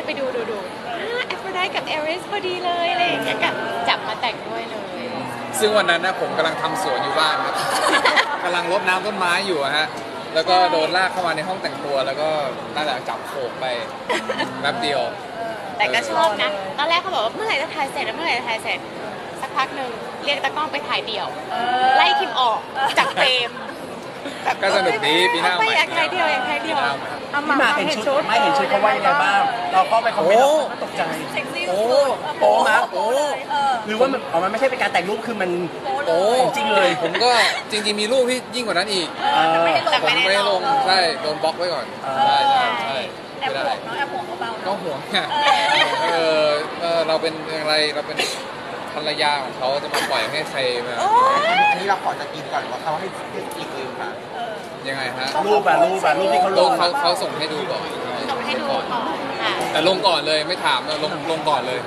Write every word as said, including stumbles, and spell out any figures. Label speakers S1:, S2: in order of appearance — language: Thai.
S1: ไปดูดูดูแอฟโรไดกับเอริสพอดีเลยอะไรอย่างเงี้ยก็จับมาแต่งด้วยเลย
S2: ซึ่งวันนั้นนะผมกำลังทำสวนอยู่บ้านครับ กำลังรดน้ำต้นไม้อยู่อะฮะแล้วก็โดนลากเข้ามาในห้องแต่งตัวแล้วก็นั่นแหละจับโขกไปแป๊บเดียว
S1: แต่ก็ชอบนะตอนแรกเขาบอกว่าเมื่อไหร่จะถ่ายเสร็จแล้วเมื่อไหร่จะถ่ายเสร็จสักพักหนึ่งเรียกตากล้องไปถ่ายเดี่ยวไล่คิมออกจากเฟรมแบบ
S2: ก็สนุกดีปีหน้า
S1: ไป
S2: ใหม่
S1: อยากถ่ายเดี่ยวอยากถ่ายเดี่ยว
S3: พี่หมากเห็นชุดไม่เห็นชุดเขาว่ายังไงบ้าง เราเข้าไปคอมเมนต์เราก็ตกใจ
S4: เซ็กซี่
S2: โอ้
S4: สุด
S3: โป๊มาก
S2: โอ้
S4: เออ
S3: หรือว่ามันอ๋อมันไม่ใช่เป็นการแต่งรูปคือมัน
S2: โอ้
S3: จริงเลย
S2: ผมก็จริงๆมีรูปที่ยิ่งกว่านั้นอีก
S3: เออ
S1: แต่
S2: ผม
S1: ไม่ได้
S2: ไม่ได้
S1: ล
S2: ล
S1: ง
S2: งใช่โดนบล็อกไว้ก่อนใช่ใช่ใช่
S4: แอบ
S2: ไม่
S4: ห่
S2: ได้
S4: วงเนาะแอบห่วงเบาๆ
S2: ก็
S4: เนาะ
S2: ห่วงไงเออเออเราเป็นอะไรเราเป็นภรรยาของเขาจะมาปล่อยให้ใครมา
S5: อันนี้เราขอจะกินก่อนว่าเขาให้ให้กินเองค่ะ
S2: ยังไงฮะ
S3: รูปอะรูปอะรูปที่เขาล
S2: ลง
S3: ง
S2: เขาเขาส่งให้ดูก่อน
S1: ส่งให้ดูก่อนค่ะ
S2: แต่ลงก่อนเลยไม่ถามลงลงก่อนเลย